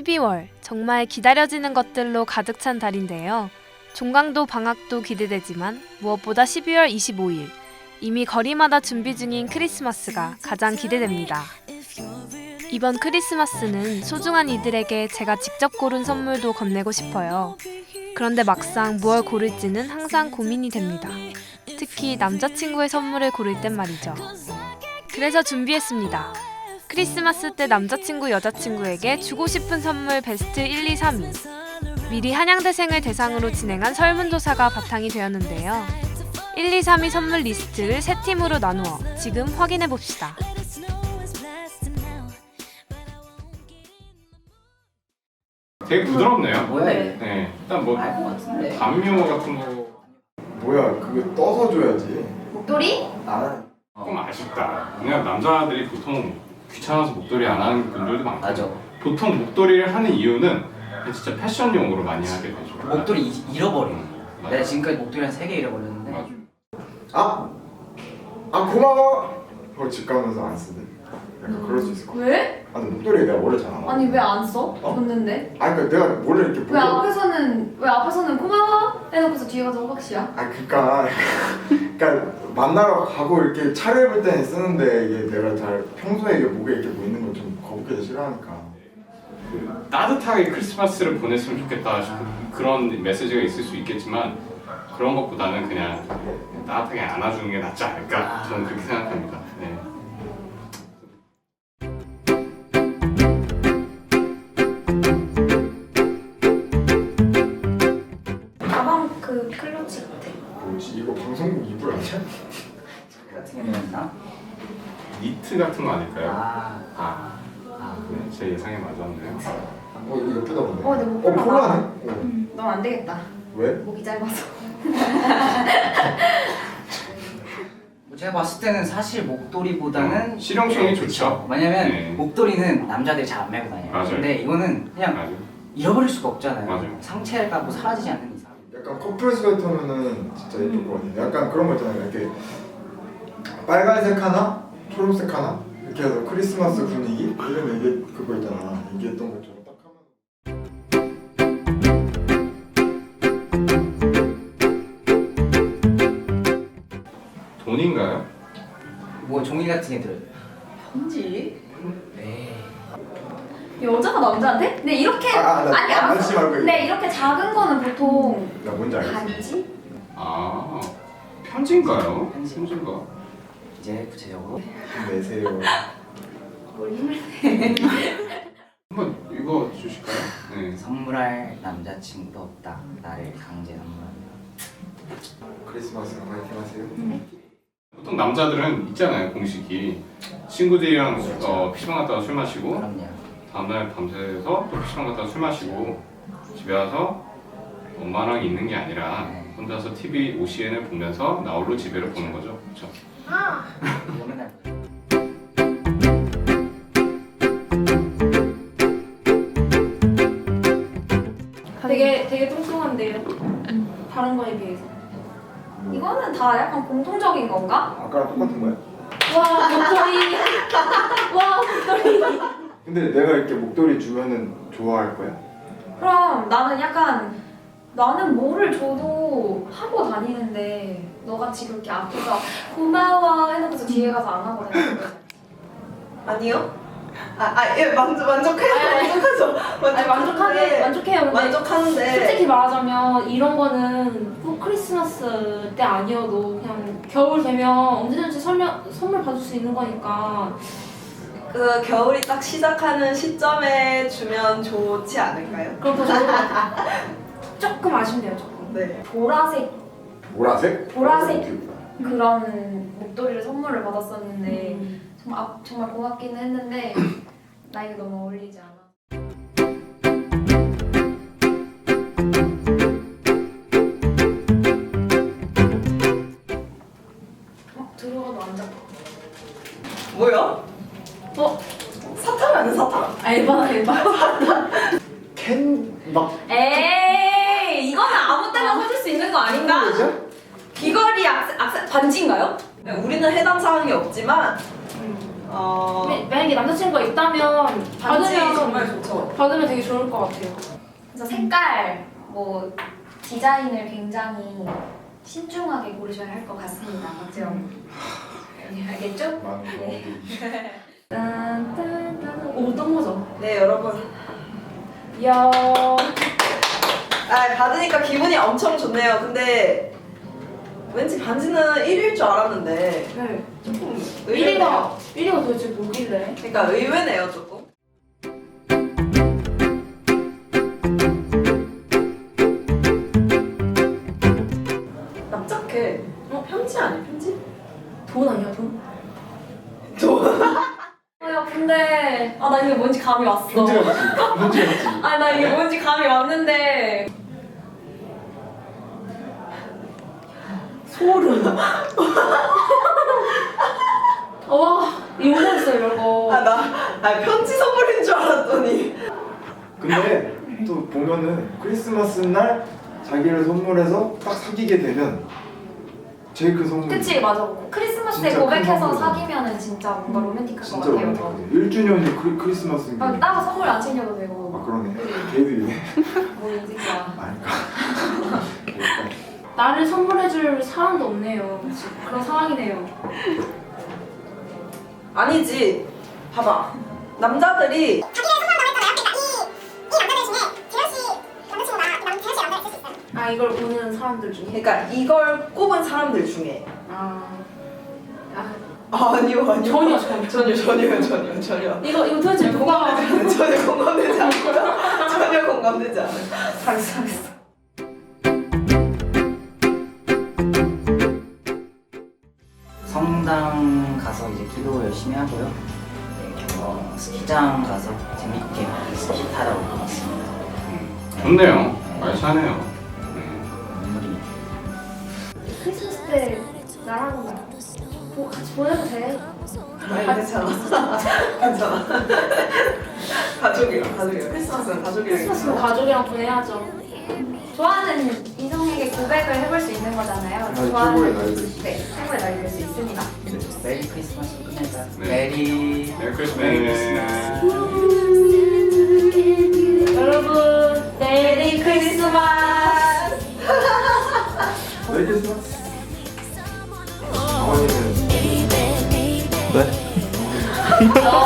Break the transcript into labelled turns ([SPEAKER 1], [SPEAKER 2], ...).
[SPEAKER 1] 12월, 정말 기다려지는 것들로 가득 찬 달인데요. 종강도 방학도 기대되지만 무엇보다 12월 25일, 이미 거리마다 준비 중인 크리스마스가 가장 기대됩니다. 이번 크리스마스는 소중한 이들에게 제가 직접 고른 선물도 건네고 싶어요. 그런데 막상 무얼 고를지는 항상 고민이 됩니다. 특히 남자친구의 선물을 고를 땐 말이죠. 그래서 준비했습니다. 크리스마스 때 남자친구, 여자친구에게 주고 싶은 선물 베스트 1, 2, 3위. 미리 한양대생을 대상으로 진행한 설문조사가 바탕이 되었는데요. 1, 2, 3위 선물 리스트를 3팀으로 나누어 지금 확인해봅시다.
[SPEAKER 2] 되게 부드럽네요.
[SPEAKER 3] 뭐야 이게?
[SPEAKER 2] 네, 일단 뭐
[SPEAKER 3] 알 것 같은데.
[SPEAKER 2] 담요 같은 거
[SPEAKER 4] 뭐야 그거 떠서 줘야지.
[SPEAKER 5] 목도리?
[SPEAKER 4] 나는
[SPEAKER 2] 조금 아쉽다. 그냥 남자들이 보통 귀찮아서 목도리 안 하는 분들도 많고,
[SPEAKER 3] 맞아.
[SPEAKER 2] 보통 목도리를 하는 이유는 진짜 패션용으로 많이 하게 되죠.
[SPEAKER 3] 목도리 잃어버리는 거.
[SPEAKER 2] 맞아.
[SPEAKER 3] 내가 지금까지 목도리 한 3개 잃어버렸는데.
[SPEAKER 2] 맞아.
[SPEAKER 4] 아 고마워. 그거 집 가면서 안 쓰대. 약간 그럴 수 있을 것 같아.
[SPEAKER 5] 왜?
[SPEAKER 4] 아 근데 목도리 내가 원래 잘 안 하고.
[SPEAKER 5] 아니 왜 안 써?
[SPEAKER 4] 어?
[SPEAKER 5] 줬는데?
[SPEAKER 4] 아 그러니까 내가 원래 이렇게
[SPEAKER 5] 왜 앞에서는 고마워? 해놓고서 뒤에 가서 호박씨야?
[SPEAKER 4] 아 그러니까 만나러 가고 이렇게 차려입을 때는 쓰는데 이게 내가 잘 평소에 이게 목에 이렇게 뭐 있는 걸 좀 거북해서 싫어하니까.
[SPEAKER 2] 그 따뜻하게 크리스마스를 보냈으면 좋겠다 싶은 그런 메시지가 있을 수 있겠지만, 그런 것보다는 그냥 따뜻하게 안아주는 게 낫지 않을까, 저는 그렇게 생각합니다. 네.
[SPEAKER 5] 가방 그 클러치 같아.
[SPEAKER 4] 뭐지 이거 방송국 이불 아니야?
[SPEAKER 3] 같은 게 뭐였나?
[SPEAKER 2] 니트 같은 거 아닐까요?
[SPEAKER 3] 아.
[SPEAKER 2] 네, 제 예상에 맞았네요.
[SPEAKER 4] 이거 예쁘다 보네.
[SPEAKER 5] 내 목도리 봐봐.
[SPEAKER 4] 폴라네?
[SPEAKER 5] 넌 안 되겠다.
[SPEAKER 4] 왜?
[SPEAKER 5] 목이 짧아서.
[SPEAKER 3] 제가 봤을 때는 사실 목도리보다는
[SPEAKER 2] 실용성이 좋죠.
[SPEAKER 3] 왜냐면
[SPEAKER 2] 네.
[SPEAKER 3] 목도리는 남자들이 잘 안 메고 다녀요.
[SPEAKER 2] 맞아요.
[SPEAKER 3] 근데 이거는 그냥
[SPEAKER 2] 맞아요.
[SPEAKER 3] 잃어버릴 수가 없잖아요.
[SPEAKER 2] 맞아요.
[SPEAKER 3] 상체가 뭐 사라지지 않는 이상.
[SPEAKER 4] 약간 커플 스웨터면은 진짜 예쁠 것 같은데 약간 그런 거 있잖아요. 이렇게 빨간색 하나, 초록색 하나 이렇게 해서 크리스마스 분위기 이러면 이게 그거 있잖아. 이게 했던 것처럼 딱 하면.
[SPEAKER 2] 돈인가요?
[SPEAKER 3] 뭐 종이 같은 게 들어요.
[SPEAKER 5] 편지?
[SPEAKER 3] 네.
[SPEAKER 5] 여자가 남자한테? 근데 이렇게
[SPEAKER 4] 나 만지지 말고
[SPEAKER 5] 근데 이렇게 작은 거는 보통
[SPEAKER 4] 나 뭔지 알겠어.
[SPEAKER 5] 반지?
[SPEAKER 2] 아, 편지인가요?
[SPEAKER 3] 편지.
[SPEAKER 2] 편지인가?
[SPEAKER 3] 이제 구체적으로
[SPEAKER 4] 좀 내세요.
[SPEAKER 5] 뭘 힘을 내.
[SPEAKER 2] 한번 읽어 주실까요? 네.
[SPEAKER 3] 선물할 남자친구도 없다. 나를 강제 선물한다.
[SPEAKER 4] 크리스마스 파이팅 하세요.
[SPEAKER 2] 보통 남자들은 있잖아요, 공식이. 친구들이랑 PC방 갔다가 술 마시고,
[SPEAKER 3] 그럼요.
[SPEAKER 2] 다음날 밤새서 또 PC방 갔다가 술 마시고, 집에 와서 엄마랑 있는 게 아니라 혼자서 TV OCN을 보면서 나홀로 집에를 보는 거죠. 그렇죠?
[SPEAKER 3] 이거 맨날
[SPEAKER 5] 되게 뚱뚱한데요. 다른 거에 비해서. 이거는 다 약간 공통적인 건가?
[SPEAKER 4] 아까랑 똑같은 거야?
[SPEAKER 5] 와 목도리. 와 목도리.
[SPEAKER 4] 근데 내가 이렇게 목도리 주면은 좋아할 거야?
[SPEAKER 5] 그럼 나는 뭐를 줘도 하고 다니는데 너같이 그렇게 앞에서 고마워 해놓고서 뒤에 가서 안 하고 다니는 거지.
[SPEAKER 6] 아니요? 예, 만족해요.
[SPEAKER 5] 아니 만족해요. 근데
[SPEAKER 6] 만족하는데
[SPEAKER 5] 솔직히 말하자면 이런 거는 꼭 크리스마스 때 아니어도 그냥 겨울 되면 언제든지 선물 받을 수 있는 거니까.
[SPEAKER 6] 그 겨울이 딱 시작하는 시점에 주면 좋지 않을까요?
[SPEAKER 5] 그럼 더 좋을 것 같아요. 조금 아쉽네요, 조금.
[SPEAKER 6] 네.
[SPEAKER 5] 보라색
[SPEAKER 4] 보라색?
[SPEAKER 5] 보라색. 그런 목도리를 선물을 받았었는데 정말 고맙기는 했는데 나에게 너무 어울리지 않아. 들어가도 안 잡아.
[SPEAKER 6] 뭐야? 사탕 아니야 사탕?
[SPEAKER 5] 알바.
[SPEAKER 4] 캔막
[SPEAKER 5] 에이, 이거는 아무 때나 사줄 수 있는 거 아닌가? 귀걸이, 악세 반지인가요?
[SPEAKER 6] 우리는 해당 사항이 없지만
[SPEAKER 5] 만약에 남자친구가 있다면
[SPEAKER 6] 반지
[SPEAKER 5] 받으면
[SPEAKER 6] 정말 좋죠.
[SPEAKER 5] 받으면 되게 좋을 것 같아요.
[SPEAKER 7] 그래서 색깔, 뭐 디자인을 굉장히 신중하게 고르셔야 할 것 같습니다. 맞죠? 알겠죠?
[SPEAKER 4] 많은 거.
[SPEAKER 5] 오, 어떤 거죠?
[SPEAKER 6] 네 여러분.
[SPEAKER 5] 이야.
[SPEAKER 6] 받으니까 기분이 엄청 좋네요. 근데 왠지 반지는 1위일 줄 알았는데
[SPEAKER 5] 네.
[SPEAKER 6] 조금 의외네요.
[SPEAKER 5] 1위가 도대체 뭐길래?
[SPEAKER 6] 그러니까 의외네요 조금. 납작해. 편지 아니야 편지?
[SPEAKER 5] 돈 아니야, 돈?
[SPEAKER 7] 야 근데
[SPEAKER 5] 아, 나 이게 뭔지 감이 왔어.
[SPEAKER 4] 문제 같지? 문제 같지?
[SPEAKER 5] 아, 나 이게 뭔지 감이 왔는데. 소름. 와, 이거 있어요, 이거.
[SPEAKER 6] 편지 선물인 줄 알았더니.
[SPEAKER 4] 근데 또 보면은 크리스마스 날 자기를 선물해서 딱 사귀게 되면 제일 큰 선물.
[SPEAKER 7] 그치 맞아. 크리스마스 때
[SPEAKER 4] 진짜 큰
[SPEAKER 7] 고백해서
[SPEAKER 4] 선물이다.
[SPEAKER 7] 사귀면은 진짜 뭔가 로맨틱할 것
[SPEAKER 4] 진짜
[SPEAKER 7] 같아요.
[SPEAKER 4] 로맨틱하지. 1주년이 크리스마스인 게.
[SPEAKER 7] 아, 따로 선물 안 챙겨도 되고.
[SPEAKER 4] 아 그러네. 걔도 이네.
[SPEAKER 7] 뭐 인식이야.
[SPEAKER 4] 아닐까.
[SPEAKER 5] 나를 선물해줄 사람도 없네요. 그런 상황이네요.
[SPEAKER 6] 아니지. 봐봐. 남자들이
[SPEAKER 5] 아, 이걸 보는 사람들 중에.
[SPEAKER 6] 그러니까 이걸 꼽은 사람들 중에
[SPEAKER 5] 아.
[SPEAKER 6] 아니요
[SPEAKER 5] 전혀.
[SPEAKER 6] 전혀
[SPEAKER 5] 이거 도대체 누가.
[SPEAKER 6] 전혀 공감되지 않고요. 전혀 공감되지 않아요.
[SPEAKER 5] 잘했어.
[SPEAKER 3] 성당 가서 이제 기도 열심히 하고요. 네, 스키장 가서 재밌게 스키 타러 왔습니다.
[SPEAKER 2] 좋네요. 알차네요.
[SPEAKER 3] 눈물이
[SPEAKER 5] 크리스마스 때 나랑 같이 보내도 돼?
[SPEAKER 6] 괜찮아. 괜찮아. 가족이랑 크리스마스는 가족이랑
[SPEAKER 5] 크리스마스는 가족이랑 보내야죠.
[SPEAKER 7] 좋아하는 이성에게 고백을 해볼 수 있는 거잖아요.
[SPEAKER 4] 아, 최고의 날이 될 수 있어요.
[SPEAKER 7] 네, 최고의 날이 될 수 있습니다.
[SPEAKER 3] 메리 크리스마스 끝내자.
[SPEAKER 2] 네.
[SPEAKER 3] 메리
[SPEAKER 2] 메리 크리스마스.
[SPEAKER 5] 여러분, 메리 크리스마스!
[SPEAKER 4] 메리 크리스마스. 어머니는
[SPEAKER 3] 네?